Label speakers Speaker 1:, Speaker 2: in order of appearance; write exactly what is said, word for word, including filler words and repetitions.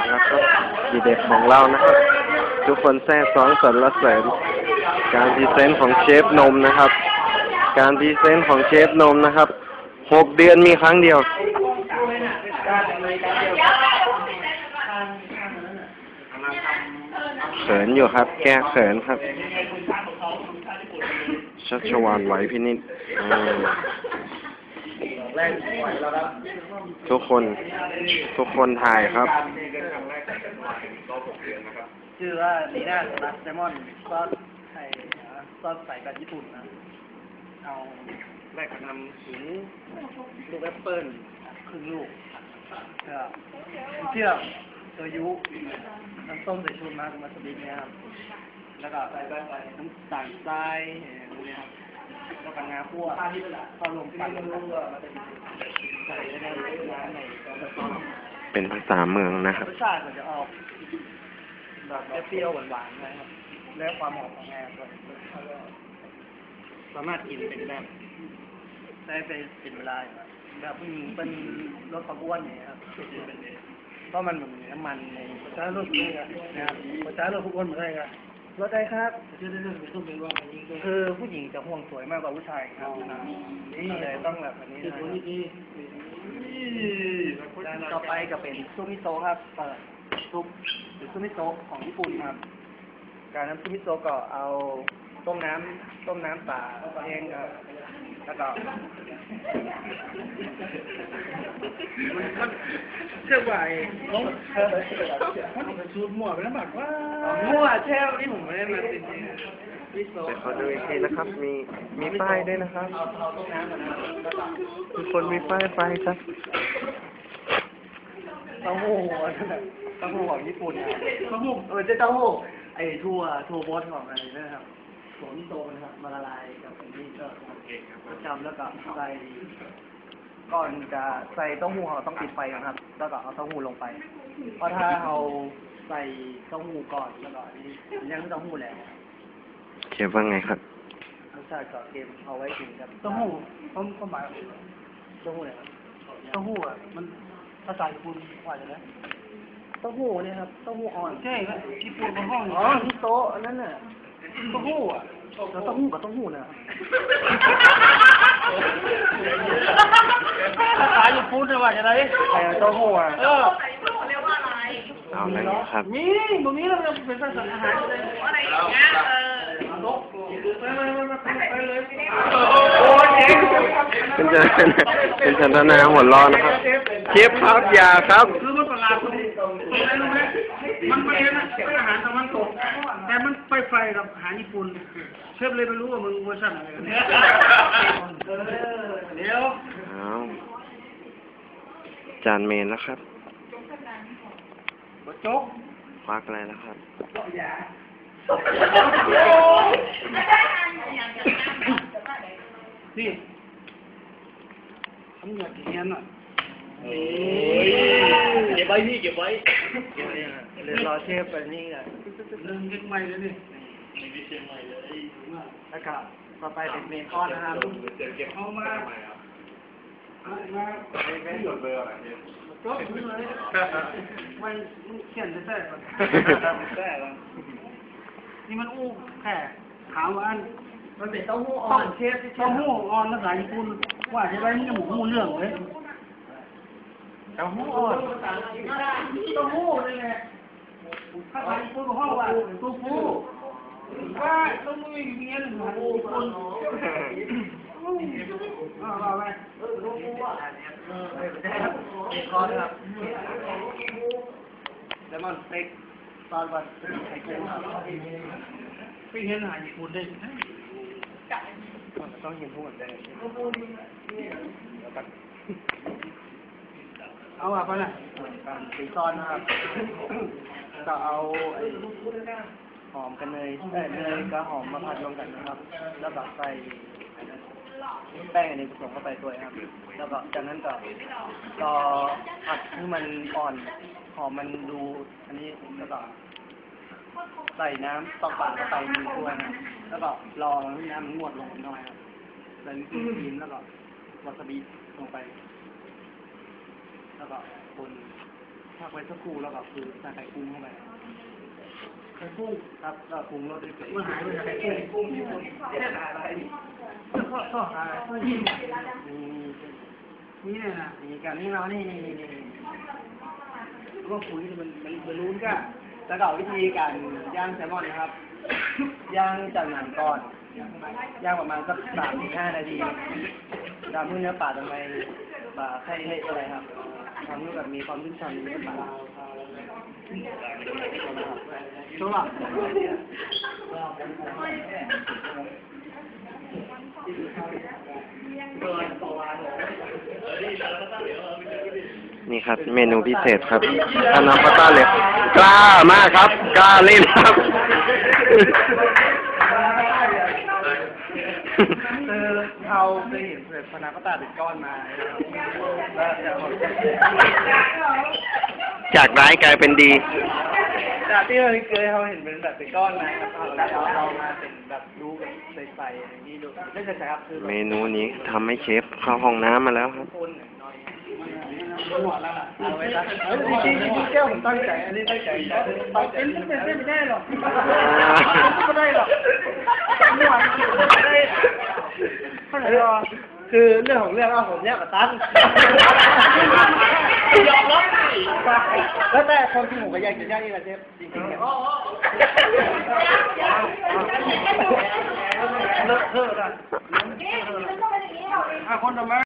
Speaker 1: แล้วครับทีเด็ดของเรานะครับทุกคนแซ่ซ้องสรรเสริญการพรีเซนต์ของเชฟนมนะครับการพรีเซนต์ของเชฟนมนะครับหกเดือนมีครั้งเดียวเขินอยู่ครับแก้เขินครับชัชวาลไหวพินิจทุกคนทุกคนถ่ายครับ
Speaker 2: ชื่อว่าลีน่าลัสแซลมอนซอสไข่ซอสใส่แบบญี่ปุ่นนะเอาแรกก็นำถึงลูกแอปเปิ้ลครึ่งลูกแล้วเชื่อมโซยุน้ำส้มสายชูมามาสบิเนี่ยครับแล้วก็ใส่น้ำตาลทรายนี่ครับแล้วก็งาคั่วพอลงปั่นใส่ในน้ำใน
Speaker 1: เป็นภาษาเมืองนะครับ
Speaker 2: รสชาติมันจะออกแบบเปรี้ยวหวานๆนะครับแล้วความหอมของงาด้วยสามารถกินเป็นแบบได้ไปเป็นเวลาแบบผู้หญิงเป็นรสความอ้วนเนี่ยครับเพราะมันเหมือนน้ำมันในประชาชนนะครับประชาชนผู้อ้วนเหมือนกันครับรสได้ครับคือผู้หญิงจะห่วงสวยมากกว่าผู้ชายครับนี่เลยต้องแบบแบบนี้นะครับต่อไปก็เป็นซุปมิโซะครับเปิดซุปหรือซุปมิโซะของญี่ปุ่นครับการน้ำซุปมิโซะก็เอาต้มน้ำต้มน้ำป่าเองครับแล้วก็เชื่อว่าไอ้น้องมันสูตรมั่วไปแล้วแบบว่ามั่วแช่วันนี้ผมไม่ได้มาติดมิโซะ
Speaker 1: แต่ขอดูอีกทีนะครับมีมีป้ายด้วยนะครับทุกคนมีป้ายไฟครับ
Speaker 2: เต้าหู้เต้าหู้ของญี่ปุ่นเต้าหู้เออเจ้าเต้าหู้ไอ้ทั่วทั่วบดของอะไรนะครับถั่วมิโซะนะครับมาละลายกับอันนี้ก็จำแล้วก็ใส่ก่อนจะใส่เต้าหู้เราต้องปิดไฟนะครับแล้วก็เอาเต้าหู้ลงไปเพราะถ้าเราใส่เต้าหู้ก่อนแล้วก็นี่ยังเต้าหู้แล้ว
Speaker 1: เชฟว่าไงครับ
Speaker 2: รสชาติก็เค็มเอาไว้กินครับเต้าหู้ผมก็หมายเต้าหู้เนี่ยเต้าหู้อ่ะมันภาษาญี่ปุ่นว่าอย่างไรเต้าหู้เนี่ยครับเต้าหู้อ่อนใช่ไหมญี่ปุ่นเป็นห้องอ๋อมิโซะนั่นน่ะเต้าหู้อ่ะแล้วเต้าหู้กับเต้าหู้เนี่ยภาษาญี่ปุ่นว่าอย่างไรเต้าหู้อ่ะเออ
Speaker 1: เอาอะไรครับ
Speaker 2: มีตรงนี้เราเป็นภาษาอาหารอะไรอย่างเงี้ยเออไปไปไปไปเลยโอ้เจ๊
Speaker 1: เป็นจะเป็นชันธนาหัวร้อนนะครับเชฟครับยาครับ
Speaker 2: คือมันประหลาดตรงนี้ตรงไหนรู้ไหมมันไม่เป็นอาหารตะวันตกแต่มันไปไฟกับอาหารญี่ปุ่นเชฟเลยไม่รู้ว่ามึงเวอร์ชันอะไรกันเนี่ยเดี๋ยว
Speaker 1: จานเมนแล้วครับ
Speaker 2: โจ๊ก
Speaker 1: ควักอะไรแล้วครับ
Speaker 2: นี่ทำอย่างเงี้ยน่ะเก็บไว้นี่เก็บไว้เดี๋ยวรอเชฟไปนี่แหละเรื่องเก็บใหม่เลยนี่มีเชียงใหม่เลยแล้วก็ต่อไปเป็นเมนคอนนะครับเก็บเข้ามามาไม่หยุดเลยอะไรเนี่ยก็ไม่เลยไม่เขียนจะแท้ก่อนแท้แล้วนี่มันอู้แค่ถามว่าอันมันเป็นเต้าหู้อ่อนเชฟเต้าหู้อ่อนภาษาญี่ปุ่นว่าจะได้นี่หมูหมูเรื่องเลยเต้าหู้อ่อนเต้าหู้นี่แหละภาษาญี่ปุ่นห้องว่าตู้ฟูว่าต้องมีเงี้ยหนึ่งหันญี่ปุ่นอ้าวว่าไงตู้ฟูอ่ะเออไม่ได้ครับเด็กคอครับแล้วมันเต็กตอนวันไข่กุ้งครับไปเห็นอาหารญี่ปุ่นได้ต้องเห็นทุกคนได้เอาอะไปเลยสีซอนนะครับก็เอาหอมกันเนยเอ้ยเนยกับหอมมาผัดรวมกันนะครับแล้วก็ใส่แป้งอันนี้ผสมเข้าไปด้วยครับแล้วก็จากนั้นก็ก็ผัดให้มันอ่อนหอมมันดูอันนี้แล้วก็ใส่น้ำตอกปากเข้าไปหนึ่งถ้วยนะแล้วก็รอน้ำมันงวดลงหน่อยครับใส่วิปครีมแล้วก็วาซาบิลงไปแล้วก็คนพักไว้สักครู่แล้วก็คือใส่ไข่กุ้งเข้าไปไข่กุ้งครับแล้วปรุงรสด้วยเมื่อหายไปไข่กุ้งกุ้งญี่ปุ่นเนี่ยอะไรข้อข้ออะไรนี่นี่เนี่ยนะนี่กันนี่เรานี่นี่นี่นี่ก็คุยมันมันมันรู้กันแล้วก็วิธีการย่างแซลมอนนะครับย่างจากหนังก่อนย่างประมาณสักสามถึงห้านาทีดำเนื้อปลาทำไมปลาไข่เละอะไรครับทำให้แบบมีความชุ่มฉ่ำในเนื้อปลาชัวร์
Speaker 1: นี่ครับ เมนูพิเศษครับพานาคอตต้าเลยกล้ามากครับ กล้าเล่นครับ
Speaker 2: คือเราเคยเห็นเผือกพานาคอตต้าเป็นก้อนมาแล้วจะ
Speaker 1: จากร้ายกลายเป็นดี
Speaker 2: จากที่เราเคยเราเห็นเป็นแบบเป็นก้อนมาแล้วเราเรามาเป็นแบบรูแบบใสๆอย่างนี้ดูไม่ใช่ครับคือ
Speaker 1: เมนูนี้ทำให้เชฟเข้าห้องน้ำมาแล้วครับ
Speaker 2: คนหน่อยหัวแล้วล่ะเอาไว้ซะจริงจริงแก้วผมตั้งใจอันนี้ตั้งใจตั้งใจเป็นเป็นไม่ได้หรอกไม่ได้หรอกไม่ไหวไม่ได้คือเรื่องของเรื่องเอาผมเนี่ยกับตั้งยอมรับแล้วแต่คนที่ผมก็อยากจะย่างนี่แหละเชฟจริงๆเนี่ยเลอะเทอะนะคนทำไม